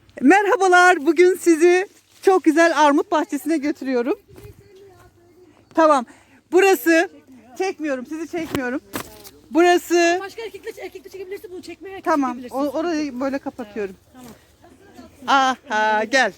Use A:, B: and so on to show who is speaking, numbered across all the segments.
A: Merhabalar. Bugün sizi çok güzel armut bahçesine götürüyorum. Tamam. Burası çekmiyorum. Sizi çekmiyorum. Burası
B: Başka erkekle çekebilirsin, bunu çekmeye erkek
A: tamam.
B: çekebilirsin.
A: Orayı böyle kapatıyorum.
B: Tamam.
A: Aha gel.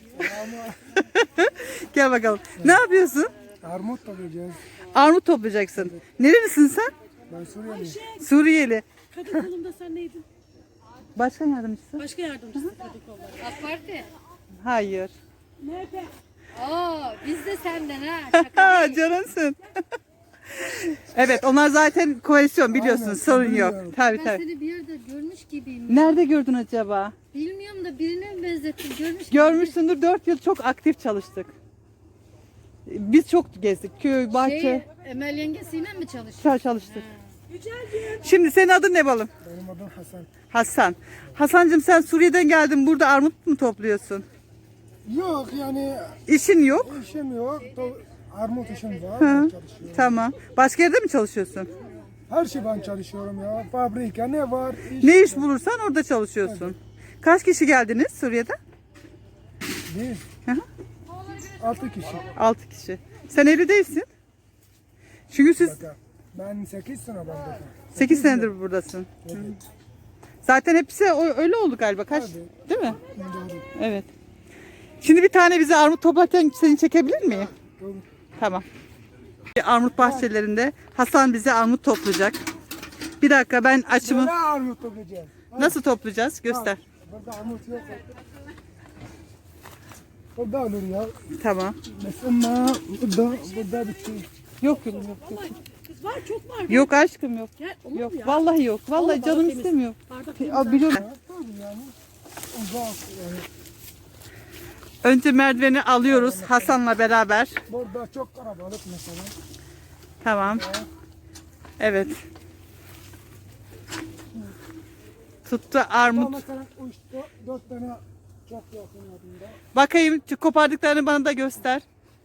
A: Gel bakalım. Ne yapıyorsun?
C: Armut toplayacağız.
A: Armut toplayacaksın. Nerelisin sen?
C: Ben Suriyeliyim.
A: Suriyeli.
B: Kadın kolumda sen neydin?
A: Başkan yardımcısı?
B: Başka yardımcısı kadın kolları.
D: AK Parti.
A: Hayır.
B: MHP.
D: Oo, biz de senden ha. Şaka
A: Ha
D: değil.
A: canımsın. Evet onlar zaten koalisyon biliyorsun
C: Aynen,
A: sorun yok.
C: biliyorum.
A: Tabii
D: Ben
A: tabii.
D: seni bir yerde görmüş gibiyim.
A: Nerede gördün acaba?
D: Bilmiyorum da birine mi benzettim? Görmüş gibi.
A: Görmüşsündür 4 yıl çok aktif çalıştık. Biz çok gezdik. Köy, bahçe
D: Emel yengesiyle mi çalışıyor?
A: çalıştık. Şimdi senin adın ne balım?
C: Benim adım Hasan.
A: Hasan. Hasancığım sen Suriye'den geldin. Burada armut mu topluyorsun?
C: Yok yani
A: İşin yok.
C: işim yok. Armut işim var.
A: Hı.
C: Ben çalışıyorum.
A: Tamam. Başka yerde mi çalışıyorsun?
C: Her şey ben çalışıyorum ya. Fabrika ne var?
A: Ne iş bulursan orada çalışıyorsun. Kaç kişi geldiniz Suriye'den?
C: Biz.
A: Hı hı.
C: 6 kişi.
A: 6 kişi. Sen evli değilsin. Çünkü siz
C: Ben 8 sene ben burada.
A: 8 senedir buradasın.
C: Evet.
A: Zaten hepsi öyle oldu galiba. Kaç?
C: Tabii.
A: Değil mi?
C: Doğru.
A: Evet. Şimdi bir tane bize armut toplarken seni çekebilir miyim?
C: Doğru.
A: Tamam. Armut bahçelerinde Hasan bize armut toplayacak. Bir dakika ben açımı
C: Böyle armut toplayacağız.
A: nasıl toplayacağız? Göster.
C: Burada armut yok. Burada olur ya.
A: Tamam.
C: Mesela burada bir şey.
A: Yok yok yok.
B: Kız var, çok var.
A: Yok aşkım yok.
B: Gel, olur
A: Yok
B: mu ya?
A: vallahi yok. Vallahi
B: Vallahi
A: canım
B: temiz.
A: istemiyor.
B: Bardak temiz.
A: Aa, biliyorum.
C: Ya, tabii yani. Uzak yani.
A: Önce merdiveni alıyoruz Hasan'la beraber.
C: Burada çok kalabalık mesela.
A: Tamam. Evet. Tuttu
C: Ama
A: armut.
C: mesela 4 tane çok yakın adında.
A: Bakayım şu kopardıklarını bana da göster.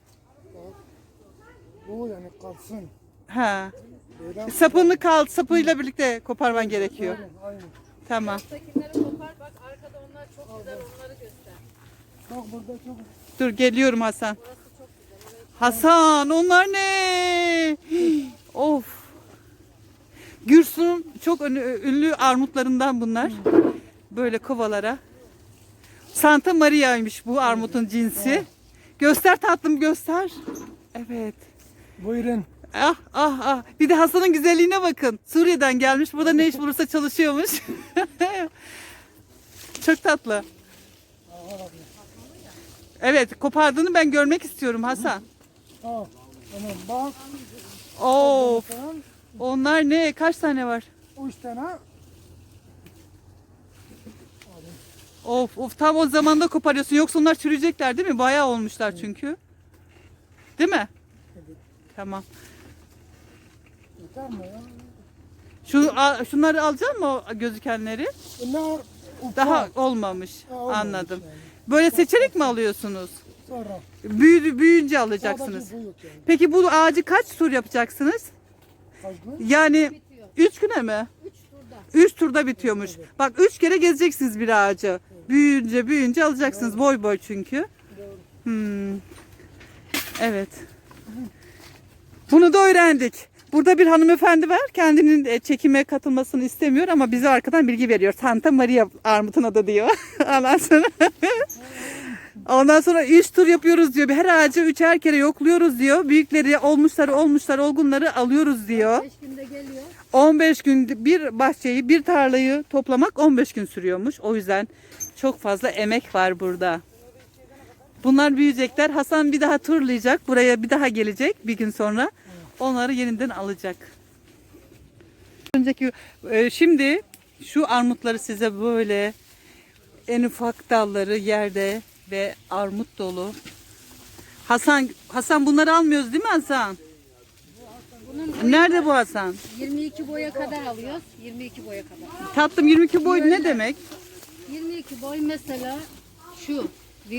C: Bu yani kalsın.
A: Ha.
C: Böyle
A: Sapıyla birlikte koparman gerekiyor.
C: aynen.
A: Tamam.
D: Alttakileri kopar bak, arkada onlar çok güzel, onları göster.
C: Bak burada çok
A: Dur geliyorum Hasan. Hasan onlar ne? Of. Gürsün'ün çok ünlü armutlarından bunlar. Böyle kovalara. Santa Maria'ymış bu armutun cinsi. Göster tatlım göster. Evet.
C: buyurun.
A: Ah ah ah. Bir de Hasan'ın güzelliğine bakın. Suriye'den gelmiş. Burada ne iş bulursa çalışıyormuş. Çok tatlı. Evet, kopardığını ben görmek istiyorum Hasan.
C: Ha, tamam bak.
A: Of.
C: Tamam.
A: Onlar ne? Kaç tane var?
C: 3 tane.
A: Of of tam o zamanda koparıyorsun. Yoksa onlar çürüyecekler değil mi? Bayağı olmuşlar çünkü. Değil mi?
C: Evet.
A: Tamam.
C: Yeter mi ya?
A: Şunları alacak mı o gözükenleri?
C: Bunlar ufak.
A: Daha olmamış.
C: Ha, olmamış
A: Anladım.
C: yani.
A: Böyle seçerek mi alıyorsunuz?
C: Sonra.
A: Büyüyünce alacaksınız.
C: Sadece bu yok yani.
A: Peki bu ağacı kaç tur yapacaksınız?
C: Kaç gün?
A: Yani 3 güne mi? 3 turda bitiyormuş. Bak 3 kere gezeceksiniz bir ağacı. Büyüyünce alacaksınız. Boy boy çünkü. Hmm. Evet. Bunu da öğrendik. Burada bir hanımefendi var. Kendinin çekime katılmasını istemiyor ama bize arkadan bilgi veriyor. Santa Maria armutun adı diyor. Ondan sonra 3 tur yapıyoruz diyor. Her ağacı 3'er kere yokluyoruz diyor. Büyükleri, olgunları alıyoruz diyor.
D: 5 günde geliyor.
A: 15 gün bir bahçeyi, bir tarlayı toplamak 15 gün sürüyormuş. O yüzden çok fazla emek var burada. Bunlar büyüyecekler. Hasan bir daha turlayacak. Buraya bir daha gelecek bir gün sonra. Onları yeniden alacak. Şimdi şu armutları size böyle en ufak dalları yerde ve armut dolu. Hasan bunları almıyoruz değil mi Hasan? Nerede bu Hasan?
D: 22 boya kadar alıyoruz. 22 boya kadar.
A: Tatlım 22 boy ne demek?
D: 22 boy mesela şu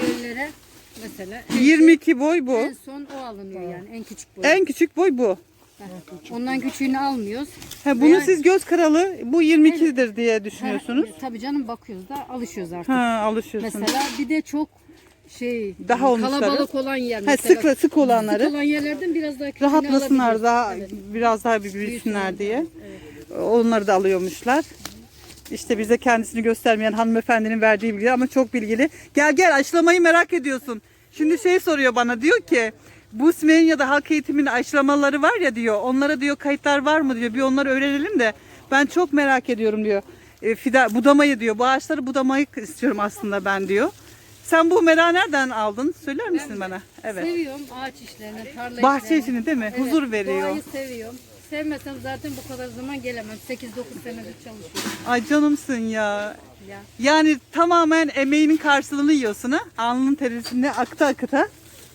D: viyollere mesela
A: 22 boy bu.
D: en son o alınıyor yani en küçük boy.
A: En küçük boy bu.
E: Ondan küçüğünü almıyoruz.
A: Ha, bunu siz göz karalı bu 22'dir diye düşünüyorsunuz.
E: Tabii canım bakıyoruz da alışıyoruz artık.
A: Ha, alışıyorsunuz.
E: Mesela bir de çok
A: Daha olmuşları.
E: kalabalık olan yer
A: Ha,
E: mesela.
A: sık olanları.
E: Sık olan yerlerden biraz daha küçüğünü
A: Rahatlasınlar
E: alabiliyoruz.
A: daha
E: Evet.
A: biraz daha bir büyüsünler diye. Onları da alıyormuşlar. İşte bize kendisini göstermeyen hanımefendinin verdiği bilgi ama çok bilgili. Gel aşılamayı merak ediyorsun. Şimdi soruyor bana, diyor ki bu Smenya'da halk eğitiminin aşılamaları var ya diyor. Onlara diyor kayıtlar var mı diyor. Bir onları öğrenelim de ben çok merak ediyorum diyor. Budamayı diyor. Bu ağaçları budamayı istiyorum aslında ben diyor. Sen bu merak nereden aldın? Söyler misin bana? Evet.
E: Seviyorum ağaç işlerini, tarla
A: Bahçe
E: işlerini.
A: işini değil mi?
E: Evet,
A: Huzur veriyor.
E: Doğayı seviyorum. Sevmesem zaten bu kadar zaman gelemem. 8-9 senedir çalışıyorum.
A: Ay canımsın ya.
E: Ya.
A: Yani tamamen emeğinin karşılığını yiyorsun ha. Alnının terisini akıta.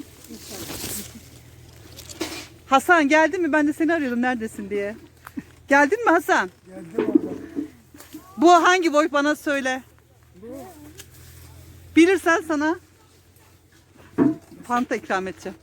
A: Hasan geldin mi? Ben de seni arıyordum neredesin diye. Geldin mi Hasan?
C: Geldim abla.
A: Bu hangi boy bana söyle. Bilirsen sana fanta ikram edeceğim.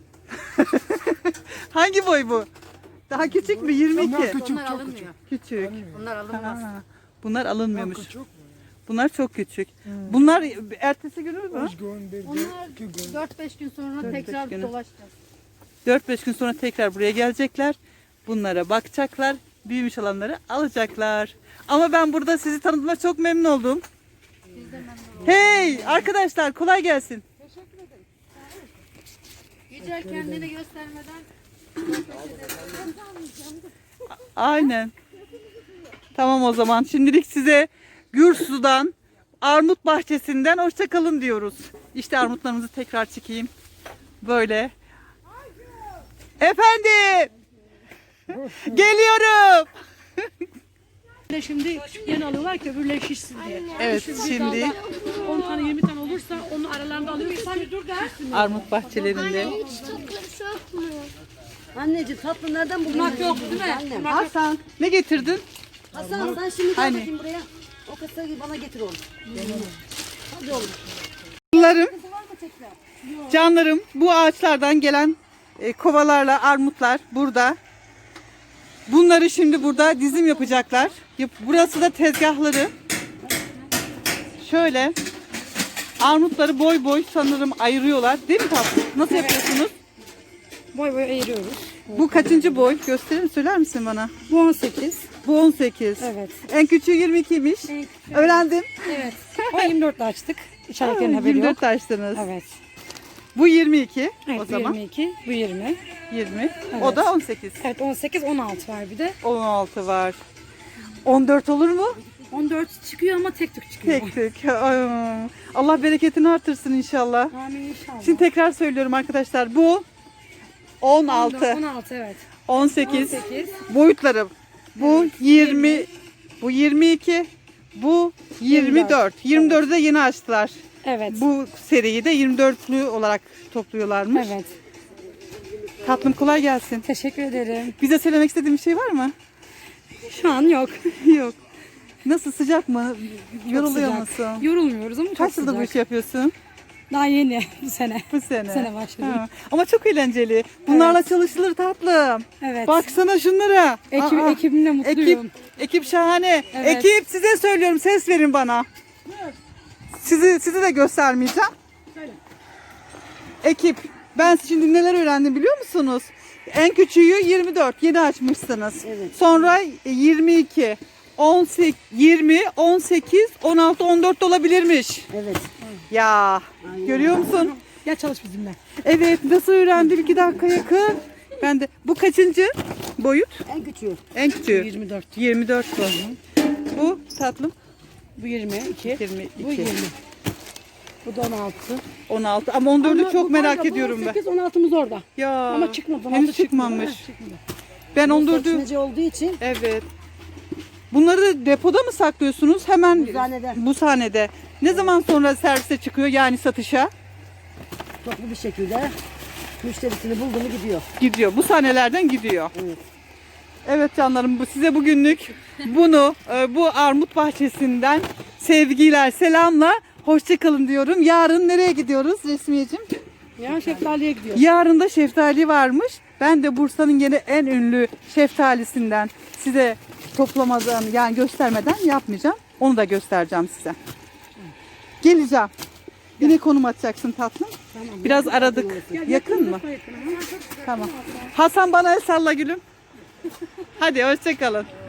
A: Hangi boy bu? Daha küçük mü? 22.
C: Bunlar küçük,
E: Onlar
C: çok
E: alınmıyor.
A: Küçük.
E: Onlar alınmaz.
A: Ha, bunlar alınmıyormuş.
C: küçük. Küçük mü?
A: Bunlar çok küçük. Bunlar ertesi günü mü?
C: Üç gün, bir gün,
E: Onlar
C: 2 gün.
E: 4-5 gün sonra tekrar
A: günü.
E: dolaşacağız.
A: 4-5 gün sonra tekrar buraya gelecekler. Bunlara bakacaklar. Büyümüş olanları alacaklar. Ama ben burada sizi tanıdığıma çok memnun oldum. Hey arkadaşlar, kolay gelsin.
E: Yücel kendini göstermeden
A: Aynen. Tamam o zaman. Şimdilik size Gürsu'dan, armut bahçesinden hoşça kalın diyoruz. İşte armutlarımızı tekrar çekeyim. Böyle. Efendim. Geliyorum.
B: Şimdi küçüklerini alıyorlar ki öbürleri şişsin diye.
A: Evet şimdi
B: 10 tane 20 tane olursa onun aralarında alıyoruz. Sen dur da.
A: armut bahçelerinde.
F: Anneciğim tatlı nereden buldun?
B: Yok değil mi?
F: Annem.
A: Hasan ne getirdin?
F: Hasan sen şimdi gel
A: Hani?
F: bakayım buraya. O kasayı bana getir oğlum. Hadi oğlum.
A: Canlarım, canlarım bu ağaçlardan gelen kovalarla armutlar burada. Bunları şimdi burada dizim yapacaklar. Burası da tezgahları. Şöyle armutları boy boy sanırım ayırıyorlar. Değil mi tatlım? Nasıl yapıyorsunuz?
B: Boy boy ayırıyoruz.
A: Bu kaçıncı boy? Gösterir misin? Söyler misin bana?
B: Bu 18.
A: Bu 18.
B: Evet.
A: En küçüğü 22'ymiş. Öğrendim.
B: Evet. O 24'te açtık. İçeriklerin haberi
A: 24
B: yok.
A: açtınız.
B: Evet.
A: Bu 22
B: Evet,
A: o
B: bu
A: zaman.
B: 22, bu 20.
A: 20. O da 18.
B: Evet 18, 16 var bir de.
A: 16 var. 14 olur mu?
B: 14 çıkıyor ama tek tük çıkıyor.
A: Tek tek. Ay, Allah bereketini artırsın inşallah.
B: Amin inşallah.
A: Şimdi tekrar söylüyorum arkadaşlar. Bu 16,
B: 16 evet.
A: 18
B: 18.
A: boyutları. Bu 20, bu 22, bu 24. 24'ü de yeni açtılar.
B: Evet.
A: Bu seriyi de 24'lü olarak topluyorlarmış.
B: Evet.
A: Tatlım kolay gelsin.
B: Teşekkür ederim.
A: Bize söylemek istediğin bir şey var mı?
B: Şu an yok.
A: Yok. Nasıl, sıcak mı? Yoruluyor
B: Sıcak.
A: musun?
B: Yorulmuyoruz ama çok
A: Kaç yıldır bu
B: sıcak.
A: işi yapıyorsun?
B: Daha yeni bu sene.
A: Bu sene.
B: Bu sene başladım.
A: Ha. Ama çok eğlenceli. Bunlarla çalışılır tatlım.
B: Evet.
A: Baksana şunlara. Aa,
B: Ekibimle mutluyum.
A: ekip şahane.
B: Evet.
A: Ekip size söylüyorum, ses verin bana. Sizi de göstermeyeceğim. Ekip, ben şimdi neler öğrendim biliyor musunuz? En küçüğü 24, yeni açmışsınız.
F: Evet.
A: Sonra 22, 18, 20, 18, 16, 14 olabilirmiş.
F: Evet.
A: Ya, görüyor musun?
B: Gel çalış bizimle.
A: Evet, nasıl öğrendim 2 dakika yakın. Ben de, bu kaçıncı boyut?
F: En küçüğü.
A: En küçüğü.
B: 24.
A: 24 bu. Bu tatlım.
B: Bu 22.
A: 22.
B: Bu 20. Bu da 16.
A: 16 ama 14'ü
B: Ama
A: çok
B: bu
A: merak
B: kanka, bu
A: ediyorum ben.
B: 18, 16'mız orada.
A: Ya.
B: Ama çıkmadı. 16
A: Henüz
B: çıkmadı.
A: çıkmamış.
B: Evet, çıkmadı.
A: Ben
F: Bu
A: 14'ü
F: seçmece olduğu için
A: evet. Bunları depoda mı saklıyorsunuz? Hemen
F: Buzhanede.
A: bu sahnede. Ne zaman sonra servise çıkıyor, yani satışa
F: toplu bir şekilde müşterisini buldu mu gidiyor.
A: gidiyor. Bu sahnelerden gidiyor.
F: Evet.
A: Evet canlarım, bu size bugünlük bunu bu armut bahçesinden sevgiler, selamla hoşça kalın diyorum. Yarın nereye gidiyoruz Resmiyeciğim?
B: Ya şeftaliye gidiyor.
A: Yarın da şeftali varmış. Ben de Bursa'nın yine en ünlü şeftalisinden size toplamadan yani göstermeden yapmayacağım. Onu da göstereceğim size. Geleceğim. Yine konum atacaksın tatlım. Biraz aradık. Yakın mı? Tamam. Hasan bana el salla gülüm. Hadi hoşça kalın.